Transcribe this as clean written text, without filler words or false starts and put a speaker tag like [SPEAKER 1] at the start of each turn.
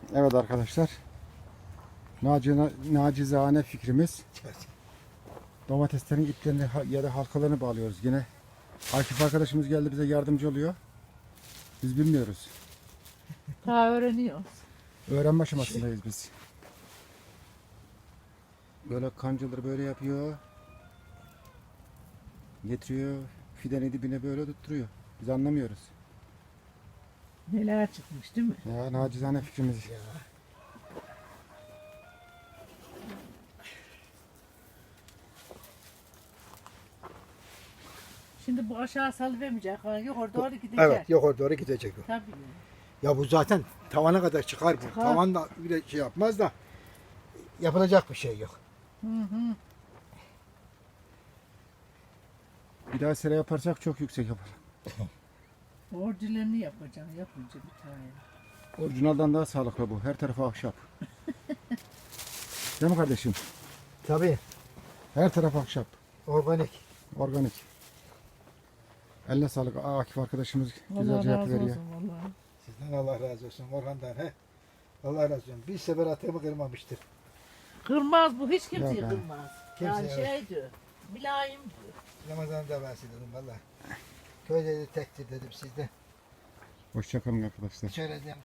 [SPEAKER 1] Evet arkadaşlar. Nacizane fikrimiz. Domateslerin iplerini ya da halkalarını bağlıyoruz yine. Akif arkadaşımız geldi bize yardımcı oluyor. Biz bilmiyoruz.
[SPEAKER 2] Daha öğreniyoruz.
[SPEAKER 1] Öğrenme aşamasındayız biz. Böyle kancaları böyle yapıyor. Getiriyor. Fidenin dibine böyle tutturuyor. Biz anlamıyoruz.
[SPEAKER 2] Neler çıkmış değil mi?
[SPEAKER 1] Ya nacizane fikrimiz.
[SPEAKER 2] Şimdi bu aşağı salıvermeyecek. Yukarı doğru gidecek.
[SPEAKER 3] Evet, yukarı doğru gidecek o.
[SPEAKER 2] Tabii.
[SPEAKER 3] Ya bu zaten tavana kadar çıkar bu.
[SPEAKER 2] Çıkar.
[SPEAKER 3] Tavan da bile şey yapmaz da yapılacak bir şey yok.
[SPEAKER 2] Hı hı.
[SPEAKER 1] Bir daha sera yaparsak çok yüksek yapalım.
[SPEAKER 2] Orijinalini yapacaksın yapınca bir tane.
[SPEAKER 1] Orijinaldan daha sağlıklı bu. Her tarafı ahşap. Değil mi kardeşim?
[SPEAKER 3] Tabii,
[SPEAKER 1] Her taraf ahşap.
[SPEAKER 3] organik.
[SPEAKER 1] Organik. Eline sağlık. Akif arkadaşımız
[SPEAKER 2] Allah
[SPEAKER 1] güzelce
[SPEAKER 2] razı
[SPEAKER 1] yapıveriyor.
[SPEAKER 2] olsun vallahi.
[SPEAKER 3] Sizden Allah razı olsun, Orhan'dan he. Allah razı olsun. Bir sefer atımı kırmamıştır.
[SPEAKER 2] Kırmaz bu hiç kimseyi
[SPEAKER 1] Yok,
[SPEAKER 2] kırmaz.
[SPEAKER 3] Kimse
[SPEAKER 2] Yani
[SPEAKER 3] yok.
[SPEAKER 2] şey diyor. Mülayim diyor.
[SPEAKER 3] Ramazan'da ben size dedim valla. Köyde de tektir dedim sizde.
[SPEAKER 1] Hoşçakalın arkadaşlar.
[SPEAKER 3] Şöyle diyeyim.